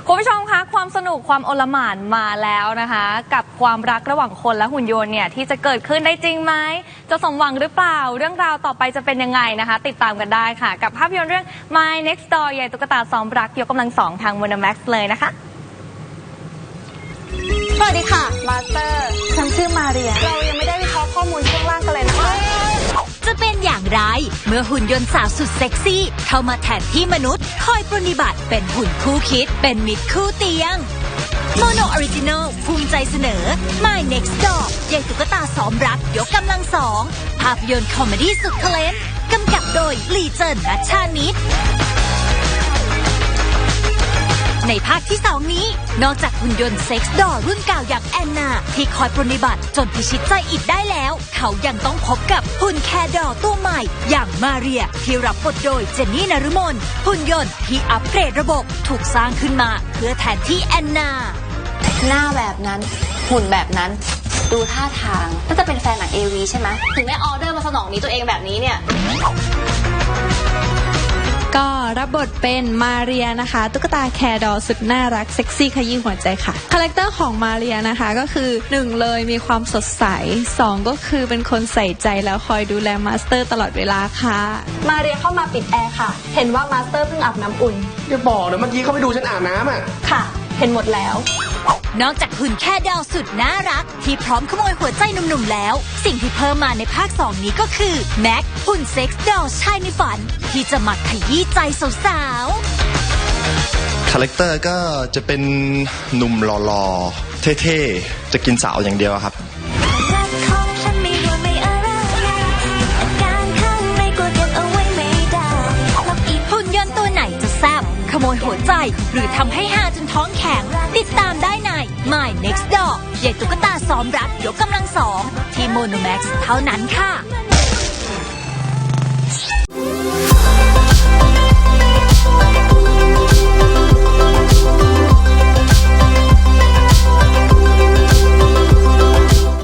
คุณผู้ชมคะความสนุกความโอลหม่านมาแล้วนะคะกับความรักระหว่างคนและหุ่นยนต์เนี่ยที่จะเกิดขึ้นได้จริงไหมจะสมหวังหรือเปล่าเรื่องราวต่อไปจะเป็นยังไงนะคะติดตามกันได้ค่ะกับภาพยนตร์เรื่อง My Next Door ใหญ่ตุ๊กตาซ้อมรักยกกำลังสองทาง Monomax เลยนะคะสวัสดีค่ะมาสเตอร์ฉันชื่อมาเรียเรายังไม่ได้วิเคราะห์ข้อมูลช่วงล่างกันเลยนะคะจะเป็นอย่างไรเมื่อหุ่นยนต์สาวสุดเซ็กซี่เข้ามาแทนที่มนุษย์คอยปรนนิบัติเป็นหุ่นคู่คิดเป็นมิตรคู่เตียงโมโนออริจินอลภูมิใจเสนอ My Next Door ใหญ่ตุ๊กตาซ้อมรักยกกำลังสองภาพยนตร์คอมเมดี้สุดเทเลนต์กำกับโดยลีเจินนัชชานิดในภาคที่2นี้นอกจากหุ่นยนต์เซ็กซ์ดอลรุ่นเก่าอย่างแอนนาที่คอยปรนนิบัติจนพิชิตใจอิดได้แล้วเขายังต้องพบกับหุ่นแคร์ดอลตัวใหม่อย่างมาเรียที่รับบทโดยเจนนี่นฤมลหุ่นยนต์ที่อัปเกรดระบบถูกสร้างขึ้นมาเพื่อแทนที่แอนนาหน้าแบบนั้นหุ่นแบบนั้นดูท่าทางน่าจะเป็นแฟนหนังAVใช่ไหมถึงได้ออเดอร์มาสนองนี้ตัวเองแบบนี้เนี่ยก็รับบทเป็นมาเรียนะคะตุ๊กตาแคร์ดอลสุดน่ารักเซ็กซี่ขยี้หัวใจค่ะคาแรคเตอร์ของมาเรียนะคะก็คือ1เลยมีความสดใส2ก็คือเป็นคนใส่ใจแล้วคอยดูแลมาสเตอร์ตลอดเวลาค่ะมาเรียเข้ามาปิดแอร์ค่ะเห็นว่ามาสเตอร์เพิ่งอาบน้ำอุ่นอย่าบอกนะเมื่อกี้เขาไปดูฉันอาบน้ำอ่ะค่ะเห็นหมดแล้วนอกจากหุ่นแค่ดาวสุดน่ารักที่พร้อมขโมยหัวใจหนุ่มๆแล้วสิ่งที่เพิ่มมาในภาค2นี้ก็คือแม็กหุ่นเซ็กซ์ดอลชายในฝันที่จะมาขยี้ใจสาวๆคาแรคเตอร์ก็จะเป็นหนุ่มหล่อๆเท่ๆจะกินสาวอย่างเดียวครับหุ่นยนต์ตัวไหนจะแซ่บขโมยหัวใจหรือทำให้ฮาจนท้องแข็งติดตามได้ใน My Next Door ใหญ่ตุ๊กตาซ้อมรักยกกำลังสองที่ Monomax เท่านั้นค่ะ